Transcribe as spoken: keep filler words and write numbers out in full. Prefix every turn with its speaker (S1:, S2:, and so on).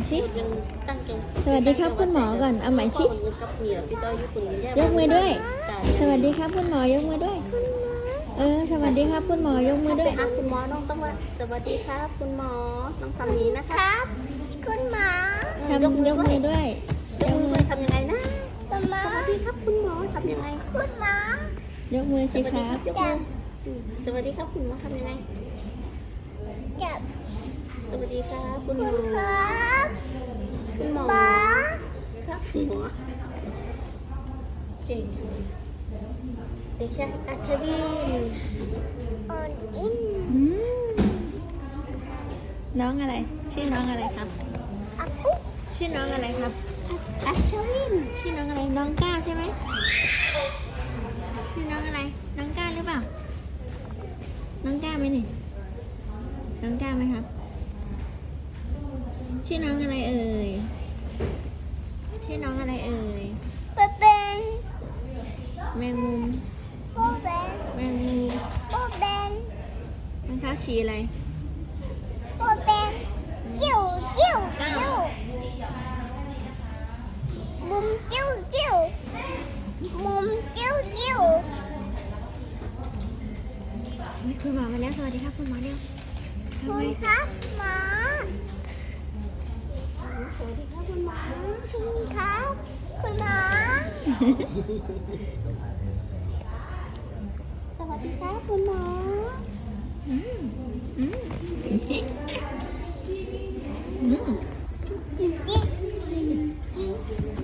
S1: ชิ
S2: ยังตั้งใจ
S1: สวัสดีครับคุณหมอก่อนเอาใหม่ชิ
S2: กับเหนียวพี่ต้อยยุคุณ
S1: ยกมือด้วย สวัสดีครับคุณหมอยกมือด้วย เออ สวัสดีครับคุณหมอยกมือด้วย
S2: ไปหาคุณหมอน้องต้องว่าสวัสดีครับคุณหมอน้องทำนี้นะคะคุณหมอ
S1: ทำยกมือด้วย
S2: ยกมือด้วยทำยังไงนะสวัสดีครับคุณหมอทำยังไงคุณหมอย
S1: กมือ
S2: ส
S1: สิ
S2: วัส
S1: ค
S2: ดี
S1: รั
S2: ครับ บยกมืออืมสวัสดีครับคุณหมอทำยังไงสวัสดีครับคุณหมอคุณหมอครับคุณหมอเก่งเด็กชายอัชวิน
S1: อืมน้องอะไร ชื่อน้องอะไรครับ ชื่อน้องอะไรครับ
S2: อัชวิน
S1: ชื่อน้องอะไร น้องก้าใช่ไหม ชื่อน้องอะไร น้องก้าหรือเปล่า น้องก้าไหมนี่ น้องก้าไหมครับ ชื่อน้องอะไรเอ่ย ชื่อน้องอะไรเอ่ย แมงมุม แมงมุมรองเท้าสีอะไร เฮ้ยคุณหมอมาแล้ว สวัสดีครับคุณหมอเร็วทำไม
S2: ครับหมอสวัสดีครับคุณหมอครับคุณหมอสวัสดีครับคุณหมอ
S1: อืมอืมอืม